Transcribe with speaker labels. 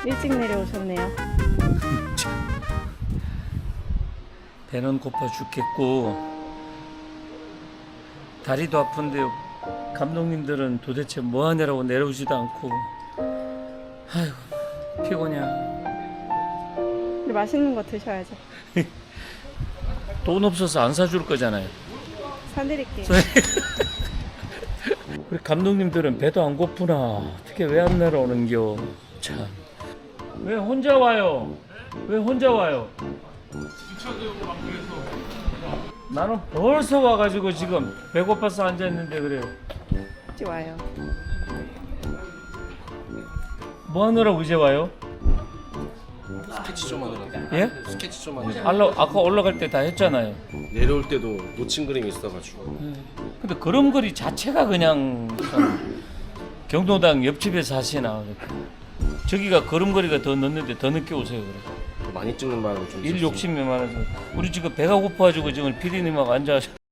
Speaker 1: 일찍 내려오셨네요.
Speaker 2: 배는 고파 죽겠고 다리도 아픈데 감독님들은 도대체 뭐 하냐라고 내려오지도 않고 아이고 피곤해.
Speaker 1: 근데 맛있는 거 드셔야죠.
Speaker 2: 돈 없어서 안 사줄 거잖아요.
Speaker 1: 사드릴게요.
Speaker 2: 우리 감독님들은 배도 안 고프나 어떻게 왜 안 내려오는겨. 참. 왜 혼자 와요? 왜 혼자 와요? 나는 벌써 와가지고 지금 배고파서 앉아있는데 그래요.
Speaker 1: 일찍 와요.
Speaker 2: 뭐 하느라고 이제 와요?
Speaker 3: 스케치 좀 하느라.
Speaker 2: 예?
Speaker 3: 스케치 좀 하느라.
Speaker 2: 아까 올라갈 때 다 했잖아요.
Speaker 3: 내려올 때도 놓친 그림이 있어가지고.
Speaker 2: 근데 그림거리 자체가 그냥 참 경로당 옆집에 사시나. 저기가 걸음거리가 더 늦는데 더 늦게 오세요. 그래.
Speaker 3: 많이 찍는 바람은 좀
Speaker 2: 일
Speaker 3: 있었어요.
Speaker 2: 욕심이 많아서 우리 지금 배가 고파가지고 지금 PD님하고 앉아